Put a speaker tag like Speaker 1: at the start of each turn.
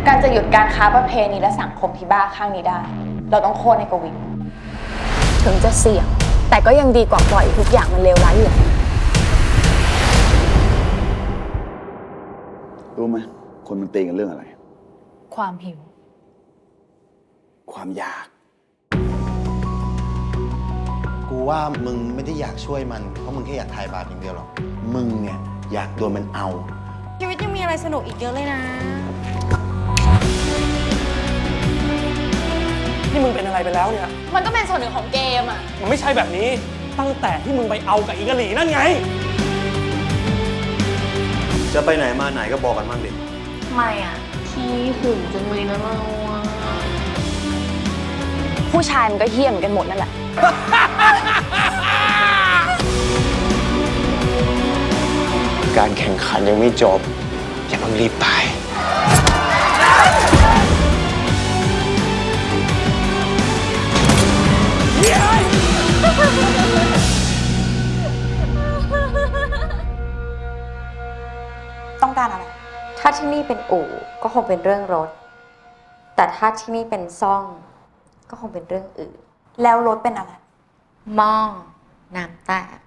Speaker 1: การจะหยุดการค้าประเพณีและสังคมที่บ้าข้างนี้ได้เราต้องโค่นให้กวิน
Speaker 2: ถึงจะเสี่ยงแต่ก็ยังดีกว่าปล่อยทุกอย่างมันเลวร้ายอยู่
Speaker 3: รู้ไหมคนมันตีกันเรื่องอะไร
Speaker 2: ความหิว
Speaker 3: ความอยาก
Speaker 4: กูว่ามึงไม่ได้อยากช่วยมันเพราะมึงแค่อยากทายบาปอย่างเดียวหรอกมึงเนี่ยอยากโดนมันเอา
Speaker 5: ชีวิตยังมีอะไรสนุกอีกเยอะเลยนะ
Speaker 6: ที่มึงเป็นอะไรไปแล้วเนี่ย
Speaker 1: มันก็เป็นส่วนหนึ่งของเกมอ่ะ
Speaker 6: มันไม่ใช่แบบนี้ตั้งแต่ที่มึงไปเอากับอีกะหลีนั่นไง
Speaker 4: จะไปไหนมาไหนก็บอกกันบ้างดิ
Speaker 1: ทำไมอ่ะขี้หึงจังเลยนะเราอ่ะ
Speaker 2: ผู้ชายมันก็เหี้ยมกันหมดนั่นแหละ
Speaker 4: การแข่งขันยังไม่จบอย่าเพิ่งรีบตาย
Speaker 1: ต้องการอะไร
Speaker 7: ถ้าที่นี่เป็นอู่ก็คงเป็นเรื่องรถแต่ถ้าที่นี่เป็นซ่องก็คงเป็นเรื่องอื่น
Speaker 1: แล้วรถเป็นอะไร
Speaker 7: หม้อน้ำแตก